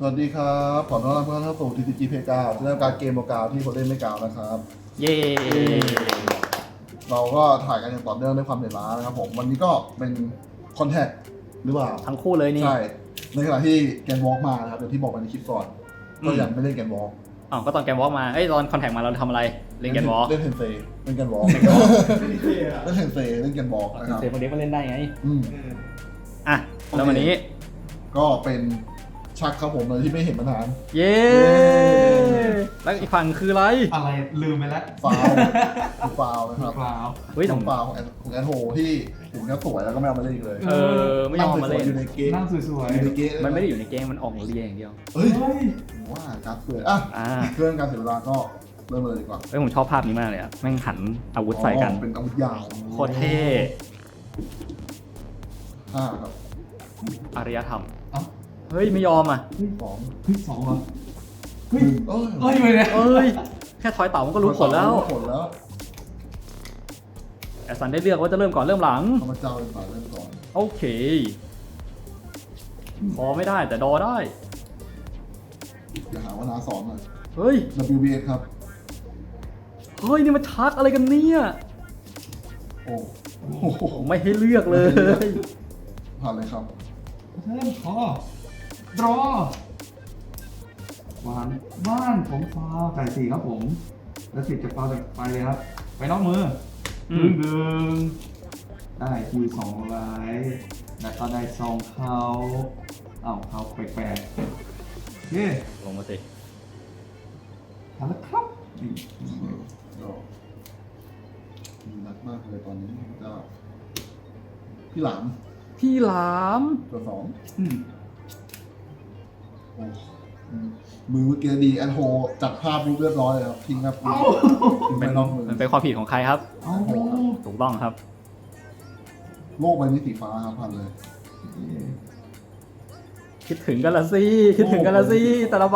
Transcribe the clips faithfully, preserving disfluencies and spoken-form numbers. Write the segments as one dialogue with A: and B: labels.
A: สวัสดีครับขอต้อนรับทุกท่านเข้าสู่ ที ซี จี Play เก้าเรื่องการเกมโมกาวที่คนเล่นไม่กาวนะครับ
B: เย้
A: เราก็ถ่ายกันอย่างต่อเนื่องด้วยความเหนื่อยล้านะครับผมวันนี้ก็เป็นคอนแทคหรือเปล่า
B: ทั้งคู่เลยนี่
A: ใช่ในขณะที่แกนวอล์กมานะครับอย่างที่บอกไปในคลิปก่อนก็ยังไม่เล่นแกนวอล์ก
B: อ๋อก็ตอนแกนวอล์กมาเอ้ยตอนคอนแทคมาเราทำอะไรเล่นแกนวอล์ก
A: เล่นเทนเซเล่นแกนวอล์กเล่นเทนเซเล่นแกนวอล์กนะครับ
B: เซฟคนเด็กก็เล่นได้ไง
A: อืม
B: อ่ะแล้ววันนี้
A: ก็เป็นชักครับผมเลยที่ไม่เห็นมานาน
B: เย้แล้วอีกฝั่งคืออะไร
C: อะไรลืมไปแล้ว
A: ฟาวคือฟาวนะครับ
C: เปล่า
B: เฮ้ย
A: น้องฟาวของแอนของแอนโฮที่ถึงจะสวยแล้วก็ไม่เอามาเล่นอีกเลย
B: เออไม่ยอมมาเล่น
A: อยู่ในเกม
C: นั่งสวย
A: อยู่ในเกม
B: มันไม่ได้อยู่ในเกมมันออกเรียอย่างเดียว
A: เฮ้ย
C: ๆเฮ้ย
A: ว่าการเสืออ่ะ
B: อ่า
A: เครื่องการเสียเวลาก็เริ่มเลยดีกว่า
B: เฮ้ยผมชอบภาพนี้มากเลยอะแม่งหันอาวุธใส่กัน
A: อ๋อเป็นอาวุธยาว
B: โคตรเท่
A: ห้าครับ
B: อารยธรรม
C: เอ้า
B: เฮ้ยไม่ยอมอ่ะ
A: สอง
C: เฮ้ยสองเหรอ
A: หนึ่งเอ้ย
C: เฮ้ยไปเลย
B: เอ้ยแค่ทอยเต่ามันก็รู้ผลแล้ว
A: รู้ผลแล้ว
B: แอสซันได้เลือกว่าจะเริ่มก่อนเริ่มหลัง
A: ธรรมเจ้าเป็นฝ่ายเริ่มก่อน
B: โอเคพอไม่ได้แต่ดอได้
A: อย่าหาว่านาสอนหน่อย
B: เฮ้ย
A: ดับเบิลยู บี เอส ครับ
B: เฮ้ยนี่มันชักอะไรกันเนี่ย
A: โอ้โห
B: ผมไม่ให้เลือกเลย
A: ผ่านเลยครับ
C: เริ่มคอรอวานบ้านผมฟาวไก่สี่ครับผม แล้วสิบจะฟาวจากไปเลยครับ ไปนอกมือ
B: อื
C: ดึ
B: ม
C: งดึงได้คิวสองไลท์แล้วก็ได้ซองเขาเอ้าเขาแปลกๆเย้
B: ลงมาสิ
C: ทำแล้วครับนี่
A: ก็มีนักมากเลยตอนนี้ก็พี่หลาม
B: พี่หลาม
A: ตัวสอง
C: อืม
A: โอ้อืมมือเมื่อกี้ดีแอนโฮจัดภาพรูปเรียบร้อยเลยครับทิ้งครับทิ้งไป
B: เป็น
A: นอกมือ
B: มันเป็นความผิดของใครครับ
C: เอา
B: ถูกต้องครับ
A: โลกใบนี้สีฟ้าครับพันเลย
B: คิดถึงกันละสิคิดถึงกันละสิแต่ละใบ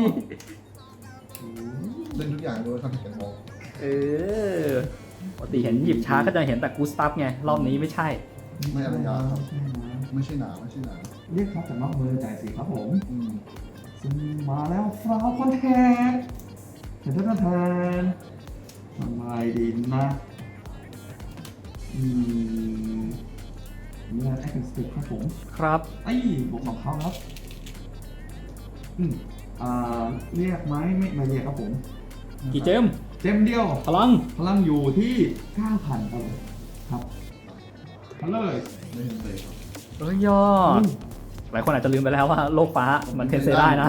A: เล่นทุกอย่างเลยครับแกนบอก
B: เออปกติเห็นหยิบช้าก็จะเห็นแต่กูสตัฟไงรอบนี้ไม่ใช่
A: ไม่อะไรยาครับ
C: ใช่ไหม
A: ไม่ใช่หนาไม่ใช่หนา
C: เรียกครับจากนอกมือจ่ายสี่ครับผม
A: อืม
C: ซึ่งมาแล้วฟราวคอนแทคเห็นท่านแทนทำไมดีนะอืมนี่นะแอคสติกครับผม
B: ครับ
C: ไอ้บวกสองเขาครับอืมอ่าเรียกไหมไม่ไม่เรียกครับผม
B: กี่เจม
C: เจมเดียว
B: พลัง
C: พลังอยู่ที่เก้าพันครับผมครับมาเลย
A: ไม่เห็นเลยครับ
B: เอ้ยยอดหลายคนอาจจะลืมไปแล้วว่าโลกฟ้ามันเทนเซได้นะ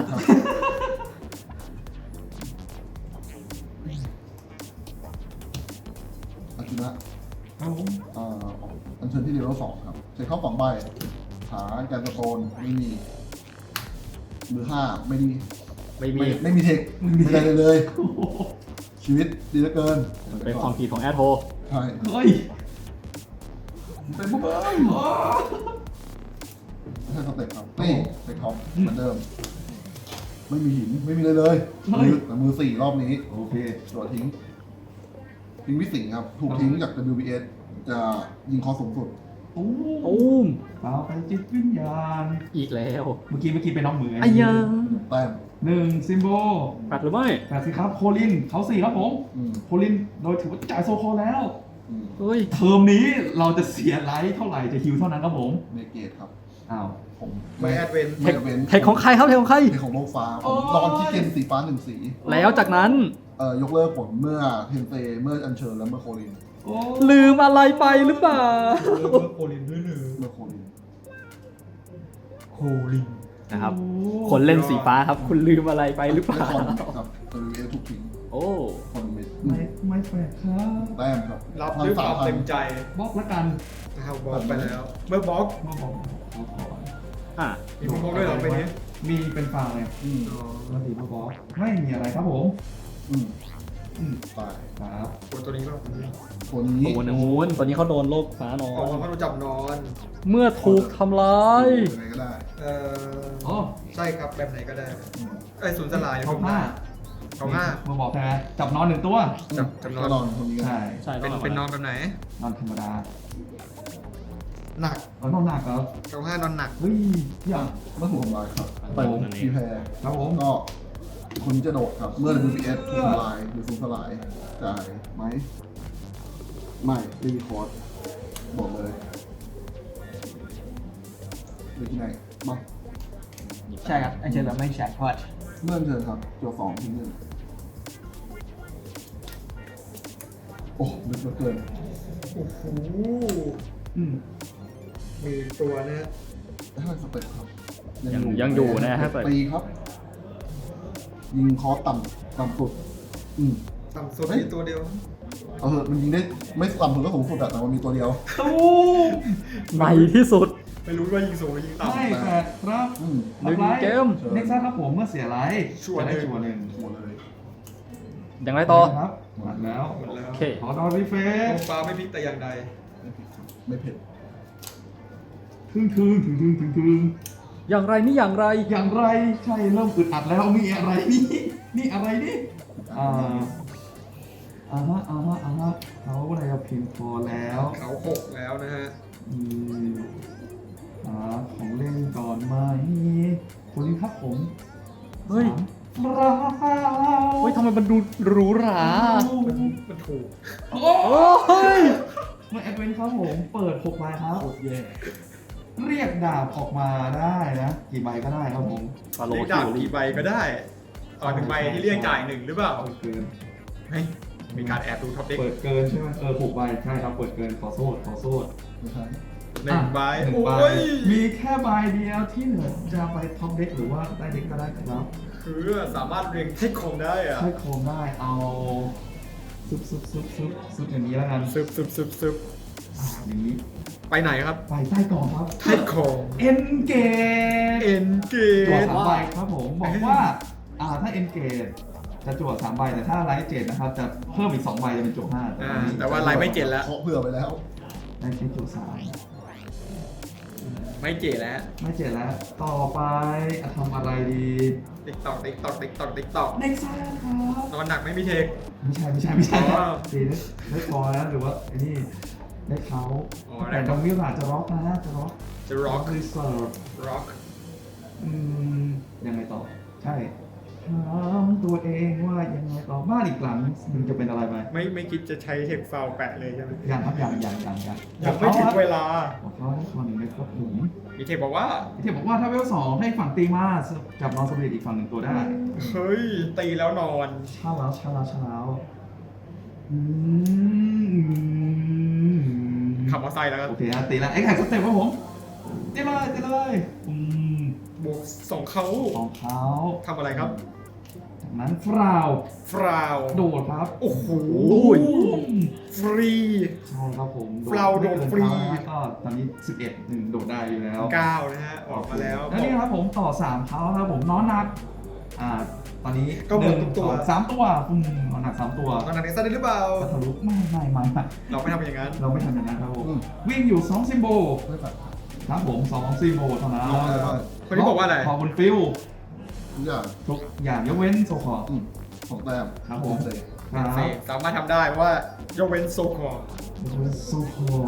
A: อากินะครับ
C: ผม
A: อ่าอันเชิญที่เดียวสองครับใช้เข้าสองใบขาแกนสโตนไม่มีมือห้าไม่มี
B: ไม่มี
A: ไม่ไม่มีเทคไม่ได้เลยเลย ชีวิตดีเหลือเกิน
B: มันเป็นความผิดของแอดโฮ
A: ใช่
C: เฮ้ย
A: เป็นพวกเอ้ยไม่ใช่สเต็ปครับนี่เต็ปท็อปเหมือนเดิม ไม่มีหินไม่มีเลยเลยมือแต่มือสี่รอบนี้
C: โอเค
A: โดดทิ้งทิ้งวิสิงครับ ถูกทิ้งจาก ดับเบิลยู บี เอส จะยิงคอสูงสุด
C: โอ้
B: ตูม
C: เปล่าไปจิตวิญญาณ
B: อีกแล้ว
C: เมื่อกี้เมื่อกี้เป็นน้องมือ
B: ไอ้ยา
A: แต้ม
C: หนึ่งซิมโบ
B: ปัดหรือไม่
C: แปดสิครับ โคลิน เขาสี่ครับผม
A: อืม
C: โคลิน โดยถือว่าจ่ายโซโคแล้ว
A: อืม
B: เฮ้ย
C: เทอมนี้เราจะเสียไลท์เท่าไหร่จะฮิวเท่านั้นครับผม
A: เมเกตครับ
C: อ้าว
A: ผม
D: ไม่แอดเวน
A: ไม่แอดเวน
B: เทคของใครครับเทคของใคร
A: เทคของโลกฟ้าผมนอนที่เกมสีฟ้าหนึ่งสี
B: แล้วจากนั้น
A: เอ่อยกเลิกผลเมื่อเทนเซเมื่ออัญเชิญและเมื่อโคลิน
C: โอ้
B: ลืมอะไรไปหรือเปล่า
D: โคลินด้วยหรือ
A: เมื่อโคลิน
D: โคลิน
B: นะครับ คนเล่นสีฟ้าครับ คุณลืมอะไรไปหรือเป
A: และ
B: ล่า
A: คอนครับ ดับเบิลยู บี เอส ถูกทิ้ง
B: โอ้
A: คอนเมด
C: ไม่ไม่แปลกครับ
A: แต้มครับ
D: รับด้วยความเต็มใจ
C: บล็อกละกัน
D: นะครับบล็อกไปแล้ว เมื่อบล็อก
C: มาบอกบอกก่อน
B: อ่ะ
D: มีบล็อกด้วยเหรอไปนี้
C: มีเป็นฟาวไง
A: อืม
D: อ๋อ
C: แล้วสีมาบอกไม่มีอะไรครับผม
A: อืม
C: อืม
A: ตาย
C: ครับ
D: โอ้ตัวนี้ก็
A: ตัวนี้
B: ตัวนู้นตัวนี้เขาโดนโลกฟ้านอ
D: ออก
B: น
D: มาเขาโดนจับนอน
B: เมื่อถูกทำร้าย
A: ยังไงก็ได้
D: เอ่อ
C: อ๋อ
D: ใช่ครับแบบไหนก็ได้
A: อืม
D: ไอ้ยศูนย์สลาย
C: เขาผ้า
D: เขาห้า
C: มาบอกแพ้จับนอนหนึ่งตัว
D: จับจับนอน
A: ก็นอนคนนี้กัน
C: ใช่
B: ใช่
D: เป็น
B: ต้อง
D: เป็นนอนแบบไหน
C: นอนธรรมดา
D: หนัก
C: เอานอนหนักครับ
D: เก้าห้านอนหนัก
C: เฮ้ยอย่า
A: เมื่อถูกทำลายครับ
B: เปิด
A: ผมพีแพร
C: ครับผม
A: ก็คุณจะโดดครับ เมื่อ ดับเบิลยู พี เอส ถูกทำลายหรือสูญสลายจ่ายไหมไม่รีคอร์ดบอกเลยดูที่ไหนมา
E: ใช่ครับอันเชิญแบบไม่แฉกพอด
A: เลื่อนเชิญครับจัวสองทิ้งหนึ่งโอ้ลึกเหลือเกิน
D: โอ้โห
C: อืม
D: มีตัวนะฮะ
A: ถ้าสเปคครับ
B: ยังยังอยู่นะฮะเปิด
A: ตีครับ ยิงคอร์สต่ำต่ำสุด อืม
D: ต่ำสุด
A: เฮ้ย
D: มีตัวเดียว
A: เออมันยิงได้ไม่ต่ำสุดก็สูงสุดอะแต่มันมีตัวเดียว
C: ตู้ม
B: ในที่สุด
D: ไม่รู้ว่ายิงสูงหรือยิงต่ำ
C: ไม่แปดครับ
A: อืม
B: หนึ่งเกม
C: เน็กซัสครับผมเมื่อเสียไลท์
D: ชัวร์
C: จะได้
D: หนึ่ง
C: ชัวร์หนึ่ง
A: หมดเลย
B: อย่างไรต่อ
C: ครับหมดแล้ว
D: หมดแล้ว
B: โอเค
C: ขอดอนรีเฟ
D: โอ
C: ส
D: ฟ้าไม่พลิกแต่อย่างใด
A: ไม่ผิดครับไม่เผ็ด
C: ทึ่งทึ่งถึงทึ่งถึงทึ่ง
B: อย่างไรนี่อย่างไร
C: อย่างไรใช่เริ่มอึดอัดแล้วมีอะไรนี่นี่อะไรนี่อ่าอ่าฮะอ่าฮะอ่าฮะเขาอะไรเพียงพอแล้ว
D: เขาหกแล้วนะฮะ
C: อืมอ่าของเล่นก่อนไหมคุณครับผม
B: เฮ้ย
C: สาม
B: เฮ้ยทำไมมันดูหรูหรา
D: มันมันถูก
C: โอ้
B: โอ้ย
C: เมื่อแอดเวนครับผมเปิดหกใบครับ
A: โคตรแย่
C: เรียกดาบออกมาได้นะ กี่ใบก็ได้ครับผม
B: ฟาโล
D: เรียก
B: คิ
D: ดาบ
B: วรี
D: กี่ใบก็ได้ต่อหนึ่งใบที่เรียกจ่ายหนึ่งหรือเปล่า
C: เปิดเกิน
D: เฮ้ยมีการแอบดูท็อปเด็ก
C: เปิดเกินใช่ไหมเออหกใบใช่ครับเปิดเกินขอโทษขอโทษ
A: ไม่ใช่
D: หนึ่งใบ
C: หนึ่ง
D: โอ้
C: ใบ
D: ย
C: มีแค่ใบเดียวที่เหลือจะไปท็อปเด็กหรือว่าได้เด็กก็ได้ครับ
D: คือสามารถเรียงเทคคงได้อะ
C: ใช้โคมได้เอาซุบซุบซุบซุบซุบอย่างนี้แล้วกัน
D: ซึบซึบซึบซึบ
C: อ่าอย่างนี้
D: ไปไหนครับ
C: ไปใต้กล่องครับ
D: เทคคง
C: เอ็นเกต
D: เอ็นเก
C: จั่ว
D: ต
C: สามใบครับผมบอกว่าอ่าถ้าเอ็นเกตจะจั่วสามใบแต่ถ้าไลท์เจ็ดนะครับจะเพิ่มอีกสองใบจะเป็นจั่วห้า
D: อ่าแต่ว่าไลน์ไม่เจ็ดแล้ว
A: เคาะเผื่อไปแล้ว
C: ได้แค่จั่วสาม
D: ไม่เจ็ดแล้ว
C: ไม่เจ็ดแล้ว ต่อไปอ่ะทำอะไรดี
D: ติ๊กตอกติ๊กตอกติ๊กตอกติ๊กตอก
C: เน็กซ่าครับ
D: นอนหนักไม่มีเทค
C: ไม่ใช่ไม่ใช่ไม่ใช่
D: อ๋อ
C: ตีได้ได้พอแล้วหรือว่าไอ้นี่ได้เขา
D: อ๋อ
C: แต่ตรงนี้อาจจะร็อกนะจะร็อก
D: จะร็อก
C: รีเซิร์ฟ
D: ร็อก
C: อืมยังไงต่อ ใช่ถามตัวเองว่ายังไงต่อบ้านอีกหลังมันจะเป็นอะไรไหม
D: ไม่ไม่คิดจะใช้เทคฟาวแปะเลยใช่ไหม
C: ยังครับยังยังยังยัง
D: ยังไม่ถึงเวลา
C: บอกเขาให้คนหนึ่งได้ครบถุง
D: มีเทคบอกว่า
C: พี่เทพบอกว่าถ้าเวลสองให้ฝั่งตีมาจับนอนสำเร็จอีกฝั่งหนึ่งตัวได้
D: เฮ้ย ตีแล้วนอน
C: เช่าแล้วเช่าแล้วเช่าแล้วอืม
D: ขับมอเตอร์ไซค์แล้วครับ
C: โอเคฮะตีแล้วไอ้แข่งสเต็ปครับผมตีเลยตีเลยอืม
D: บวกสองเขา
C: ของเขา
D: ทำอะไรครับ
C: จากนั้นฟราว
D: ฟราว
C: โดดครับ
D: โอ้โห
C: อืม
D: ฟรี
C: ใช่ครับผม
D: ฟราวโดดฟรี
C: ไม่เกินเท้านะก็ตอนนี้สิบเอ็ดหนึ่งโดดได้อยู่แล้ว
D: เก้านะฮะ ออกมาแล้ว
C: แล้วนี่ครับผมต่อสามเท้าครับผมน้อนหนักอ่าตอนนี้
D: ก็หมดทุกตัว
C: หนึ่งสองสามตัวอืมน้อนหนักสามตัว
D: ตอนนั้นเอ็กซ์ได้หรือเปล่า
C: ก็ทะลุไม่ไม่ไม่ไม่
D: เราไม่ทำอย่างนั้น
C: เราไม่ทำอย่างนั้นครับผม
A: อืม
C: วิ่งอยู่สองซิมโบล
A: ไม่แบบ
C: ครับผมสองซิมโบลเท่านั้น
A: ลงอะไรบ้าง
D: คนนี้บอกว่าอะไร
C: พอบนฟิล
A: ทุกอย่าง
C: ทุกอย่างยกเว้นโซคอร์
A: อืมสองแต้ม
C: ครับผม
A: เสร็จ
C: ครับ
D: เสกสามารถทำได้เพราะว่ายกเว้นโซคอร์
C: ยกเว้นโซคอร์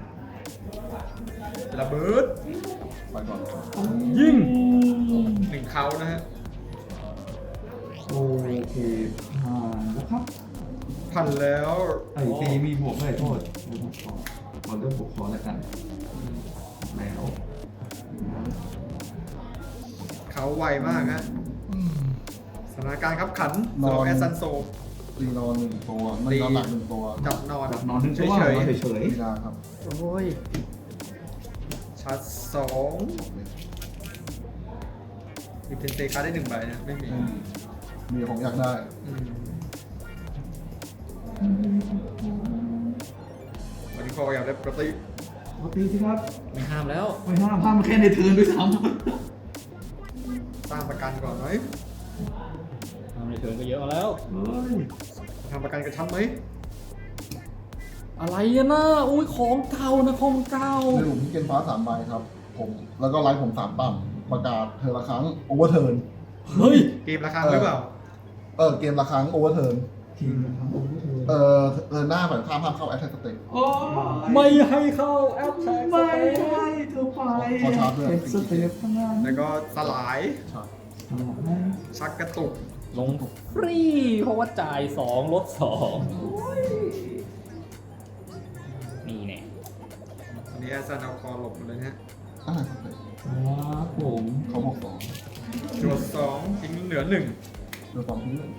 D: ระเบิด
A: ไปก่อน
B: ยิง
D: หนึ่งเขานะฮะ
C: โอเคผ่านแล้วครับ
D: พันแล้ว
C: ไอ้ตีมีบวกด้วยโทษไม่บวกขอขอเริ่มบวกขอแล้วกันแล้ว
D: เขาไวมากฮะสถานการณ์ครับขันสำหรับแอสซันโซ
A: ตีนอนหนึ่งตัวไม่นอนหลักหนึ่งตัว
D: จับนอน
C: แบบนอนนึง
D: เฉ
C: ชั่วย เฉยเฉย
A: ตีนาครับ
B: โอ้ย
D: ๆชาร์จสองมีเพนเซการ์ดได้หนึ่งใบนะ ไม่มี
A: ไม่มีมีของอยากได้
D: อืมวันนี้พออยากได้ปกติ
C: ปกติสิครับ
B: ไม่ห้ามแล้ว
C: ไม่ห้ามห้ามแค่ในเทิร์นด้วยซ้
D: สร้างประกันก่อนไหม
B: ทำในเถินก็เยอะแล้ว
C: ำเฮ้ย
D: ทำประกันกระชับไหม
B: อะไรอะนะอุ้ยของเก่านะของเก่า
A: ในหลุมที่เกณฑ์ฟ้าสามใบครับ ผม แล้วก็ไลฟ์ผมสามปั๊มประกาศเธอละครั้งโอเวอร์เทิร์น
B: เฮ้ย
D: เกมราคาหรือเปล่า
A: เออเกมละครั้งโอเวอร์เทิร์น
C: ทีมนะครับโอ้โห
A: เออเออหน้าฝ่ายข้ามห้ามเข้าแอตแทกสเต็ป
C: โอ้ย
B: ไม่ให้เข้าแอปแท็ก
C: ไม่ให้เธอไป
A: ขอชาร์จด้วย
C: เป็นสเต็ปทั้งนั้น
D: แล้วก็สลาย
A: ใช่
C: สลับไหม
D: ชักกระตุก
B: ลงฟรีเพราะว่าจ่ายสองลดสองนี่แน่
D: อันนี้แอสซันเอาคอหลบหมดเลยนะฮะ
A: อ่าสเต็ป
C: ครับผม
A: เขาบอกสอง
D: จวดสองทิ้งเหลือหนึ่ง
A: โดยความที่หนึ่ง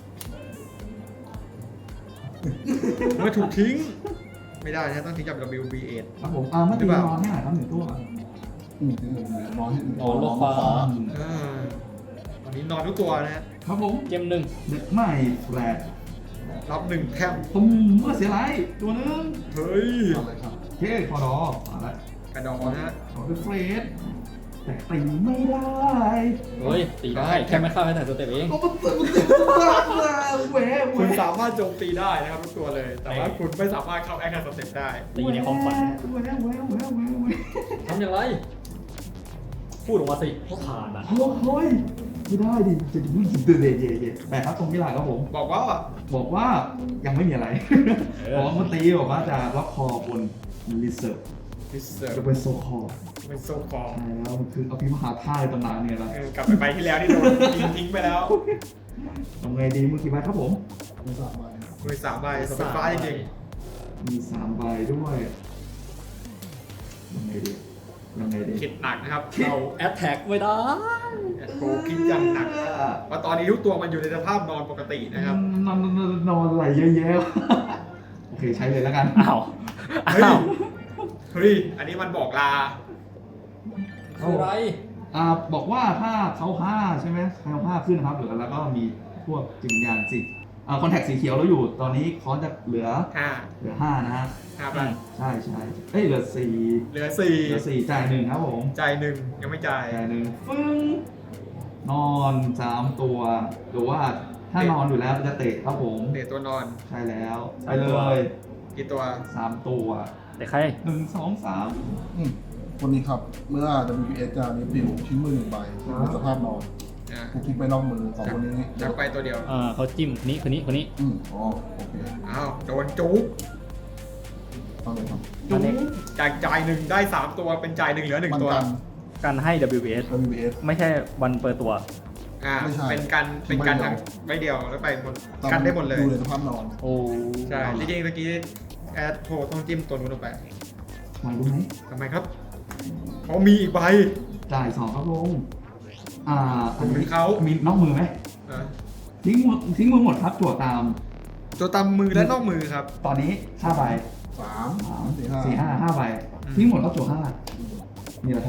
D: เมื่อถูกทิ้ง ไม่ได้นะต้องทิ้งกับ ดับเบิลยู บี เอ็ด
C: ครับผมอ่าเมื่อ
D: หรื
C: ตี
D: อเปล่า
C: นอนให้หน่อยครับหนึ่งตัว
A: อืมที่หนึ่งน้อยให้หนึ่ง
B: นอนลดฟ้า
D: อ่าตอนนี้นอนทุกตัวนะฮะ
C: ครับผม
B: เกมหนึ่ง
C: เด็กใหม่แฟลต
D: รับหนึ่งแค่ม
C: ตุ้มเมื่อเสียไรตัวหนึง
D: เฮ้ย
A: อะไรครับ
C: โอเคพอดอมาแล้ว
D: กระดองนะฮะ
C: ขอเป็นเฟรดแต่ตีไม่ได้
B: เฮ้ยตีได้แค่ไม่เข้าแอปแท็กสเต็ปเอง
C: เอามันเต็มเต็มมากเลยแหวะแหว
D: คุณ
C: ะ
D: สามารถโจมตีได้นะครับทุกตัวเลย แต่ว่าคุณไม่สามารถเข้าแอคชั่นสเต็ปได้
B: ตีในความฝัน
C: แหวะแหวะแหวะแหวะแหวะ
B: ทำอย่างไร พูดออกมาสิว่าผ่านอ่ะ
C: โอ้ยไม่ได้ดิจะดูยิงเดือดเย่เย่แต่ครับตรงที่หลังครับผม
D: บอกว่า
C: บอกว่ายังไม่มีอะไร
B: เออ
C: บอกว่าเมื่อตีบอกว่าจะล็อกคอบนรีเซิร์ฟ
D: พิเศษ
C: จะเป็นโซคอร์
D: เป็นโซฟอง
C: ใช่แล้วมันคืออภิมหาท่าในตำนานเนี่ยแหละ
D: เออกลับไปไปที่แล้วที่โดนทิ้งทิ้งไปแล้ว
C: ทำไงดีมือกี่ใบครับผม
A: มีสามใบ
D: มือสามใบสเปนฟ้าจริง
C: มีสามใบด้วยยังไงดียังไงดี
D: ๆคิดหนักนะครับ
B: เราแอปแท็กไม่ได้
D: โอ้คิดอย่างหนักเพราะตอนนี้ทุกตัวมันอยู่ในสภาพนอนปกตินะครับ
C: นอนนอนนอนไหลเยอะแยะ โอเคใช้เลยแล้วกัน
B: อ้าว
D: เฮ้ย
B: อ้าว
D: เฮ้ย อันนี้มันบอกลา
B: คืออะไร
C: อ่าบอกว่าถ้าเขาห้าใช่ไหมเขาห้าขึ้นนะครับเหลือแล้วก็มีพวกจิตวิญญาณสิอ่าคอนแทคสีเขียวเราอยู่ ตอนนี้คอนจะเหลือ
D: ห้า
C: เหลือห้านะฮะ
D: ห้าไป
C: ใช่ใช่เอ้ยเหลือสี่
D: เหลือสี่
C: เหลือสี่จ่ายหนึ่งครับผม
D: จ่ายหนึ่งยังไม่จ่าย
C: จ่ายหนึ่งฟึ้งนอนสามตัวหรือว่าถ้านอนอยู่แล้วจะเตะครับผม
D: เตะตัวนอน
C: ใช่แล้วไปเลย
D: กี่ตัว
C: สามตัว
B: แต่ใคร
C: หนึ่งสองสาม
A: อืมคนนี้ครับ เมื่อ ดับเบิลยู เอส จะรีวิวชิ้นมือหนึ่งใบในสภาพนอน
D: อ่า
A: ถูกทิ้งไปนอกมือของคนนี้
D: จับไปตัวเดียว
B: อ่าเขาจิ้มคนนี้คนนี้คนนี้
A: อืมอ๋อโอเค
D: อ้าวโดนจุ๊บ
A: ฟังเลยครับ
B: อันนี้
D: จากจ่ายหนึ่งได้สามตัวเป็นจ่ายหนึ่งเหลือหนึ่ง
A: มัน
D: ตัว
A: กัน
B: การให้ ดับเบิลยู เอส
A: ดับเบิลยู เอส
B: ไม่ใช่วันเปิดตัว
D: อ่า
A: ไม่ใช่
D: เป็นกันเป็นกัน
A: ไม่เดียว
D: ทั้งไม่เดียวแล้วไปหมดกันได้หมดเลย
A: อยู่ในสภาพนอน
B: โอ้
D: ใช่จริงๆเมื่อกี้แอดโทรต้องจิ้มตัวนู้นลงไป
C: มารู้ไหม
D: ทำไมครับเขามีอีกใบ
C: จ่ายสองครับลงอ่าอัน
D: เป็
C: นี้
D: นเขา
C: มีนอกมือไหม
D: อ่ะ
C: ทิ้งมือทิ้งมือหมดครับจั่วตาม
D: ตัวตามมือและนอกมือครับ
C: ตอนนี้ห้าใบ
A: สาม
C: สาม
A: สี่ห้า
C: สี่ห้าห้าใบ
D: อืม
C: ทิ้งหมดครับจั่วห้านี่แหละครับ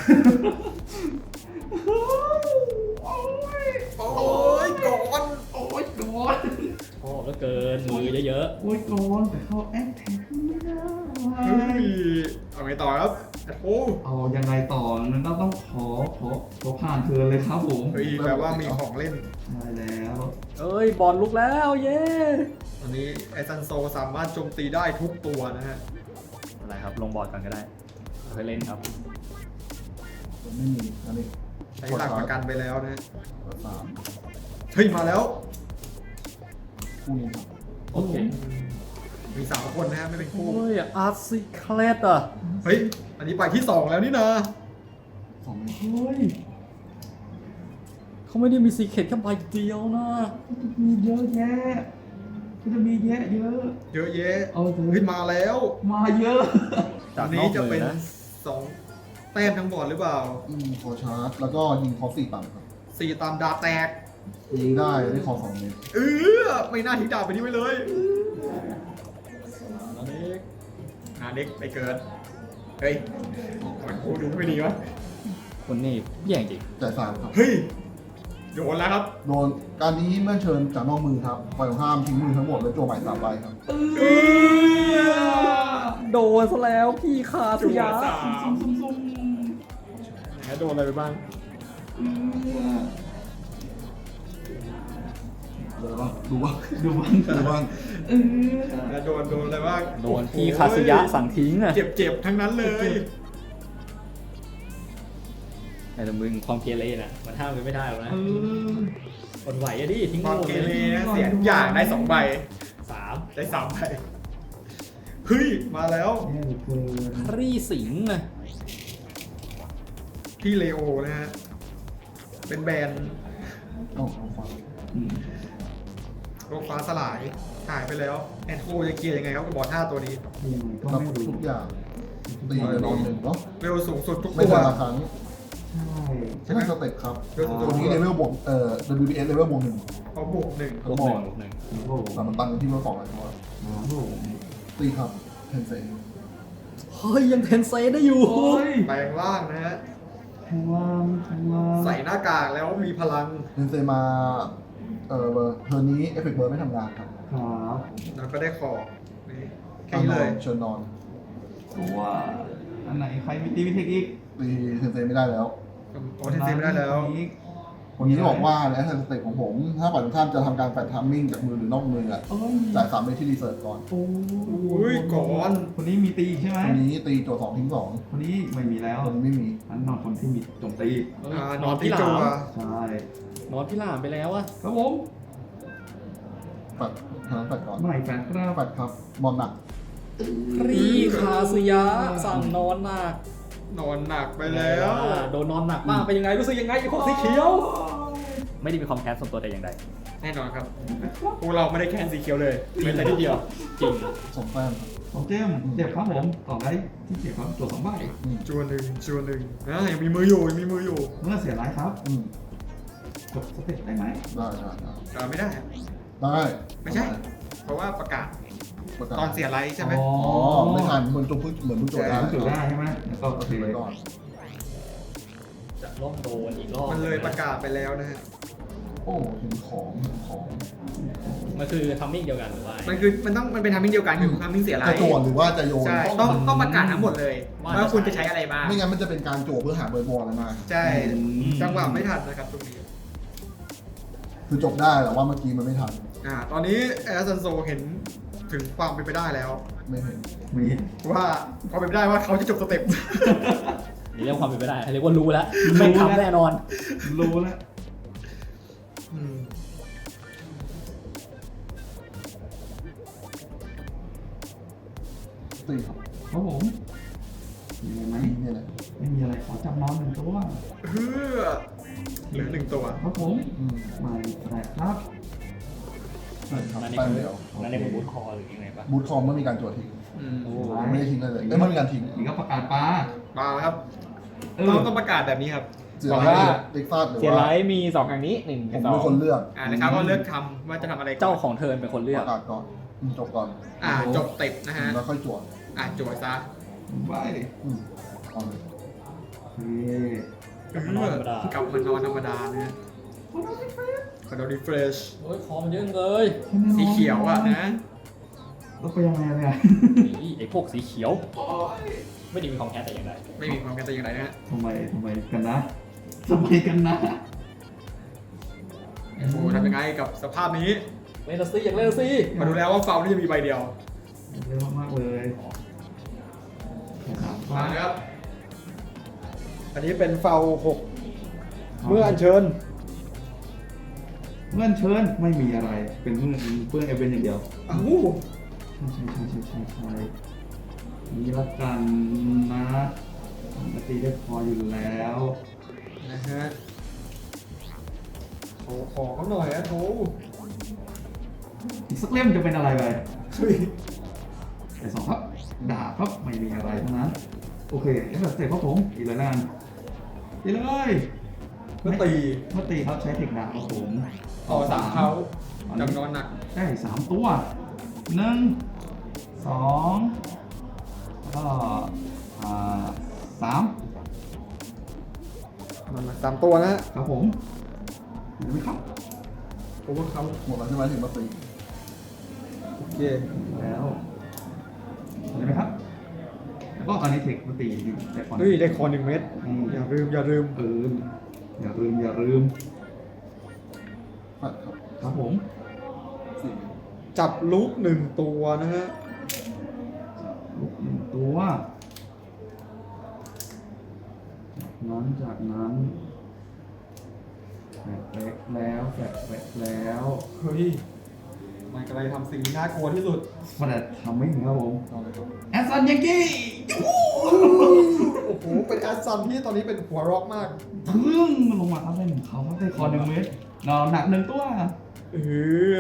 D: โอ้ยก่อน
C: โอ้ยโดน
B: ชอบเหลือเกินมือเยอะ
C: โอ้ยโดนแต่เขาแอคแท็กไม่ได้
D: เฮ้ยเอาไงต่อครับแอดโอ้
C: เอายังไงต่อนั้นก็ต้องขอขอขอผ่านเธอเลยครับผม
D: เฮ้ยแปลว่ามีของเล่น
C: ใช่แล้ว
B: ๆเอ้ยบอลลุกแล้วเย้
D: ตอนนี้ไอซันโซสามารถโจมตีได้ทุกตัวนะฮะ
B: อะไรครับลงบอร์ดก่อนก็ได้เคยเล่นครับ
A: ไม่มีอันนี้
D: ใช้หลักประกันไปแล้วนะ
A: สาม
D: เฮ้ยมาแล้ว
A: คู่นี้ครับ
B: โอเค
D: มีสามคนนะฮะไม่เป็นคู่
B: โอ้ยอาร์ซิเคลตอ่ะ
D: เฮ้ยอันนี้ไปที่สองแล้วนี่นะ
A: สองเมตร
C: เฮ้ย
B: เขาไม่ได้มีซีเคร็ตแค่ใบเดียวนะ
C: มีเยอะแยะมันจะมีแยะเยอะ
D: เยอะแยะ
C: เอาเถ
D: เฮ้ย
C: อะ
D: มาแล้ว
C: มาเยอะ
D: อันนี้จะเป็นสองแต้มทั้งบอร์ดหรือเปล่า
A: อืมขอชาร์จ แล้วก็ยิงคอสี่ต่ำครับ
D: สี่ตามดาแตก
A: ยิงได้ได้คอสองเมตร
D: เออไม่น่าทิ้งดาวไปนี้ไว้เลย
B: อันนี้
D: อ่าเด็กไปเกิดเฮ้ยมันกูดูไม่ดีวะ
B: คนนี้แย่งจริง
A: จ่ายสามครับ
D: เฮ้ยโยนแล้วครับ
A: โดนการนี้เมื่อเชิญจากนอกมือครับฝ่ายตรงข้ามทิ้งมือทั้งหมดแล้วโจมใหม่สามใบครับ
D: เออ
B: โดนซะแล้วพี่คาสยา
D: สาม
C: ซุ่มซุ่ม
D: ไหนโดนอะไรไปบ้าง
A: ดูบ้างดูบ้าง
C: ดูมัน
A: ดูบ้าง
C: เออ
D: แล้วโดนโดนอะไรบ้าง
B: โดนพี่คาสยะสั่งทิ้งอ่ะ
D: เจ็บเจ็บๆทั้งนั้นเลย
B: แต่มึงความเกเรน่ะมันห้ามกันไม่ได้หรอกนะ
C: เออ
B: คนไหวอะดิทิ้ง
D: ความ
B: โลก
D: เก
B: เล
D: เร
B: ย
D: นะเสียทุกอย่างได้สองใบ
B: สาม
D: ได้สามใบเฮ้ยมาแล้ว
C: แย่เหลือเกิน
B: รีสิงห์อะ
D: พี่เลโอนะฮะเป็นแบรนด์
A: โอ้โหฟัง
C: อืม
D: โลกฟ้าสลายหายไปแล้วแอนโคจะเคลียร์ยังไงครับกับบอสห้าตัวนี้
C: ยังไงก็
A: รับ
C: ไม่รู้
A: ทุกอย่างตีเลยนอนหนึ่งเนาะ
D: เร็วสูงสุดทุก
A: ไม่
D: ตัว
A: แต่ละครั้ง
C: ใช่
A: ใช่ไหมสเต็ปครับ
D: เร็วสูง
A: ตัว
D: สุด
A: นี้เลเวลบวกเอ่อ ดับเบิลยู พี เอส เลเวลบวกหนึ่ง
D: เอาบวกหนึ่ง
B: ลบหนึ่งลบหนึ่ง
C: โอ้โห
A: แต่มันตั้งที่เลเวลสองเลยเพราะว่า
C: โอ้โห
A: ตีครับเทนเซ
B: เฮ้ยยังเทนเซได้อยู่
C: โอ้ย
D: แปลงร่างนะฮะ
C: แทงล่างแทงล่าง
D: ใส่หน้ากากแล้วมีพลัง
A: เทนเซมาเอ่อเทอร์นี้เอฟเฟกต์เบิร์ดไม่ทำงานครับ
C: ครับ
D: แล้วก็ได้ขอบนี่แค่นี้เลย
A: เชิญนอน
C: ตัวอันไหนใครมีตีวิเทคอีก
A: ตีเทนเซไม่ได้แล้ว
D: โอ้เทนเซไม่ได้แล้ว
C: อีก
A: คนนี้ที่บอกว่าในแอสเซนสเตปของผม ถ้าฝ่ายตรงข้ามจะทำการแฟดทัมมิ่งจากมือหรือนอกมืออะ
C: เอ้ย
A: จ่ายสามเมตรที่รีเสิร์ชก่อน
C: โอ้
D: อุ้ยก่อน
C: คนนี้มีตีอีกใช่ไหม
A: คนนี้ตีโจทย์สองทิ้งสอง
C: คนนี้ไม่มีแล้ว
A: คนนี้ไม่มี
C: อันนอนคนที่มีโจมตี
D: อ่าน
B: น
D: อ
B: อน น
D: ที่
B: พี่ห
D: จั
B: ลาม
D: ว
C: ใช่
B: นอนพี่หลามไปแล้วอะ
C: ครับผม
A: แฟดทางนั้นแฟดก่อน
C: ไม่แฟนครับ
A: แฟดครับบอลหนัก
B: รีคาสยะสั่งนอนหนัก
D: นอนหนักไปแล้ว
B: โดนนอนหนักมากเป็นยังไงรู้สึกยังไงไอ้พวกสีเขียว ไม่ได้มีความแค้นส่วนตัวแต่อย่างใด
D: แน่นอนครับพวกเราไม่ได้แคนสีเขียวเลยแม้แต่นิดเดียว
B: จริง
A: สองแต้มครับ
C: ของเจมส์เจ็บครับผมต่อได้ที่เจ็บครับตัวสองใบ
A: อืม
D: จวนหนึ่งจวนหนึ่งอ่ะยังมีมืออยู่ยังมีมืออยู่
C: เมื่อเสียร้ายครับ
A: อืม
C: จบสเต็ปได้ไหม
A: ได้ได้ได้
D: อ่าไม่ได้
A: ได้
D: ไม่ใช่ เพราะว่าประกาศ
A: ประกาศ
D: ตอนเสียไลท์ใช่ไหม
C: อ๋อ
A: อ๋อไม่ทันเหมือนจงพึ่งเหมือนพึ่งโจทย์ได้
C: ต้องจุดได้ใช่ไหมแล้วก็โอเค
A: ถือไว้ก่อน
B: จะล่มโดนอีกรอบ
D: มันเลยประกาศไปแล้วนะฮะ
A: โอ้ถึงของถึงของ
B: มันคือทัมมิ่งเดียวกันหรือว่า
D: มันคือมันต้องมันเป็นทามมิ่งเดียวกันคือทามมิ่งเสียไล
A: จะ
D: ท์
A: โจทย์หรือว่าจะโยน
D: ใช่ต้องต้องประกาศทั้งหมดเลยว่าคุณจะใช้อะไรบ้าง
A: ไม่งั้นมันจะเป็นการโจทย์เพื่อหาเบอร์บอลอะไรมา
D: ใช่จังหวะไม่ทันนะครับตรงนี้
A: คือจบได้แต่ว่าเมื่อกี้มันไม่ทัน
D: อ่าตอนนี้แอสซันโซเห็นถึงความเป็นไปได้แล้ว
A: ไม่เห็น
C: มี
D: ว่าความเป็นไปได้ว่าเขาจะจบสเต็ป
B: นี่เรียกว่าความเป็นไปได้เรียกว่ารู้แล้วไม่ทำแน่นอน
C: รู้แล้ว
D: อืม
A: ตีครับ
C: ครับผมมีอะไรไหม
A: ตีเนี่ยแหละ
C: ไม่มีอะไรขอจับนอนหนึ่งตัว
D: เฮือเหลือหนึ่งตัว
C: ครับผม
A: อืม
C: ไม่แปลกครับ
A: ใช่ครับ
B: นั่นใน
A: แต้ม
B: ผม
A: เดียว
B: นั่นในผมบูทคอหรือยังไงปะ
A: บูทคอมไม่มีการโจทย์ทิ้ง
D: อืม
A: ไม่ได้ทิ้งเลยเลยเอ้ยไม่มีการทิ้ง
C: นี่ก็ประกาศปลา
D: มาแล้วครับ
C: เออ
D: ต้องต้องประกาศแบบนี้ครับ
A: เสีย
E: บอก
A: ไล
E: ว่า
A: ท์เด็กฟาดหรือ
E: เสียไล
A: ว่า
E: ท์มีสองอย่างนี้หนึ่ง
A: ผม
E: กับสอ
A: เป็น
E: ง
A: คนเลือก
D: อ่านะครับก็เลือกทำว่าจะทำอะไรก่อน
B: เจ้าของเทิร์นเป็นคนเลื
A: ป
B: อก
A: ระกาศก่อนอืมจบก่อน
D: อ่าจบเต็ปนะฮะ
A: แล้วค่อยจวด
D: อ่าจวดซะ
C: ไป
A: อืมเอาเลย
C: เฮ้ย
D: เออกลับมานอนธรรมดานะฮะคอนโดรีเฟรช
B: โอ้ยคอมเยอะเลย
D: สีเขียวอ่ะนะ
C: แล้วไปยังไงเนี่ย
B: นี่ไอ้พวกสีเขียว ไม่ได้มีความแค้นแต่อย่างใด
D: ไม่มีความกันแต่อย่างไรนะฮะ
C: ทำไมทำไมกันนะทำไมกันนะ
D: โอ้โหทำยังไงกับสภาพนี้
B: เล่นละสิอยากเล่นละสิ
D: มาดูแล้วว่าเฟานี่จะมีใบเดียว
C: เร็วมากๆเลยสาม
D: มา
C: ฟ้า
D: นะครับ อันนี้เป็นเฟาหกเมื่ออัญเชิญ
C: เงื่อนเชิญไม่มีอะไร เป็นเมื่อเพื่อนเอเวนอย่างเดียว
D: อ้าว
C: ใช่ใช่ใช่ใช่ใช่นี่ละกันนะปกติได้พออยู่แล้ว
D: นะฮะขอขอเขาหน่อยนะโถ
C: อีกสักเล่มจะเป็นอะไรไป
D: เฮ้ย
C: แต่สองครับดาบครับไม่มีอะไรทั้งนั้น โอเคแล้วแบบเสร็จครับผมอีกเลยละกันอีกเลย
D: เมื่อตี
C: เมื่อตีครับใช้เทคดาบครับผม
D: ต่อสามเขาจำนอนหนัก
C: ได้สามตัวหนึ่งสองแล้วก็อ่าสาม
D: มันหนักสามตัวนะฮะ
C: ครับผมเห็นไหมครับ
D: โอเวอร์เขา
A: หมดแล้วใช่ไหมถึงมาตี
D: โอเค
C: แล้วเห็นไหมครับ แล้วก็ตอนนี้เทคมาตีอยู่แต่ก่อน
D: เฮ้ยได้คอหนึ่งเม็ด
C: อืม
D: อย่าลืมอย่าลืม
C: เอออย่าลืมอย่าลืม
A: แฟดครับ
C: ครับผม
A: สี่
D: จับลูกหนึ่งตัวนะฮะ
C: ลุกหนึ่งตัวจากนั้นจากนั้นแฟดแบกแล้วแฟดแบกแล้ว
D: เฮ้ยมันกำลังจะทำสิ่งที่น่ากลัวที่สุด
C: มันจะทำไม่ถึงครับผม
A: เอาเลยครับ
C: แอสซันยังกี้
D: โอ้โห เป็นแอสซันที่ตอนนี้เป็นหัวร็อกมาก
C: พึ่งมันลงมาทับได้หนึ่งเขาทับได้คอหนึ่งเมตรนอนหนักหนึ่งตัว
D: เออ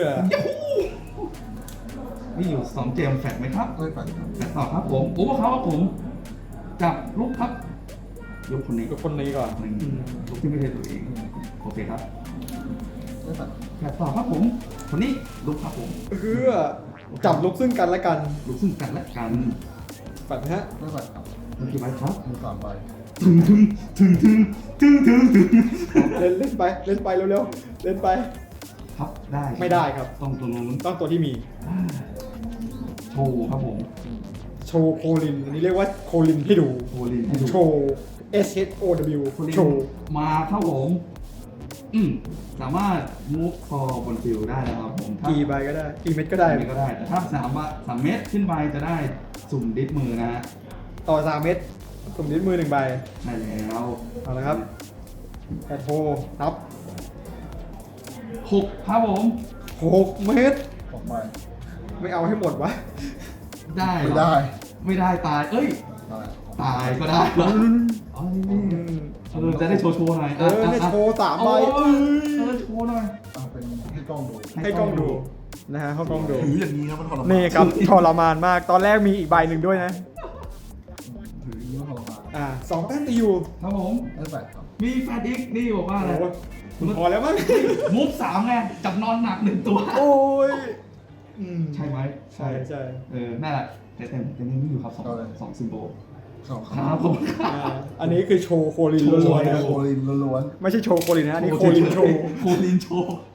C: มีอยู่สองเจมแฟกไหมครับ
A: ไม่ฝันครับ
C: แฟกต่อครับผมโอ้เขาครับผมจับลูกครับยกคนนี้
D: กับคนนี้ก่อน
C: หนึ่งลูกที่ไม่ใช่ตัวเองโอเคครับ
A: ไม่ฝัน
C: แฟกต่อครับผมคนนี้ลูกครับผม
D: เออจับลุกซึ่งกันและกัน
C: ลูกซึ่งกันและกัน
D: แบบนะฮะ
A: ไม่ฝันครับ
C: โอเคไหมครับ
A: มีสามใบ
C: ถึงถึงถึงถึงถึงถึงถึง
D: เล่นเล่นไป เล่นไปเร็วๆ เล่นไป
C: ครับได้
D: ไม่ได้ครับ
C: ต้องตรงนู้น
D: ต้องตัวที่มี
C: โชว์ครับผม
D: โชว์โคลิน อันนี้เรียกว่าโคลินให้ดู
C: โชว์ลินให้ดู
D: โชว์ S H O W
C: โชว์ลิน
D: โชว์
C: มาครับผมอืมสามารถมูฟคอบนฟิลได้นะครับผมถ้า
D: กี่ใบก็ได้ กี่เม็ดก็ได้
C: ได้ก็ได้ แต่ถ้าสามว่าสามเมตรขึ้นไปจะได้สุ่มดิสมือนะฮะ
D: ต่อสามเม็ดสุ่มนิ้วมือหนึ่งใบ
C: ได้แล้ว
D: เอาละครับแอดโทนับ
C: หกครับผม
D: หกเม็ด
A: ออกใบ
D: ไม่เอาให้หมดวะ
C: ได้เหรอ
A: ไม่ได้
C: ไม่ได้ตาย เอ้ย
A: ได้
C: ตายก็ได้เหรออ๋อนี่เออจะได้โชว์โชว์หน่อย
D: เออเนี่ยโชว์สามใบ
C: โอ้ยเออโชว์หน่อย
A: เอาเป็นให้กล้องดู
D: ให้กล้องดูนะฮะให้กล้องดู
A: ถืออย่างนี้ครับมันทรมาน
D: นี่ครับทรมานมาก ตอนแรกมีอีกใบหนึ่งด้วยนะ
A: ถืออย่างนี้มันทรมาน
D: อ่าสองแต้มตีอยู่
C: ครับผม
A: ไม่ฝันครับ
C: มีแฟดอีกนี่บอกว่าอะไร
D: โอ้โหคุณพอแล้วมั้ง
C: มุฟสามไงจับนอนหนักหนึ่งตัว
D: โอ้ยอืม
C: ใช่ไหม
D: ใช่ใช่
C: เออนั่นแหละแต่แต่แต่ยังไม่อยู่ครับสองสองซิมโบล
A: สองค
C: ค
A: รั
C: รั
A: บบ
C: ผม
D: อ่าอันนี้คือโชว์โคลิน
A: โช
D: ล้วน
A: ว์
D: ๆนะ
A: โคลินล้วน
D: ไม่ใช่โชว์โคลินนะอันนี้โคลินโชว์
C: โคลินโชว์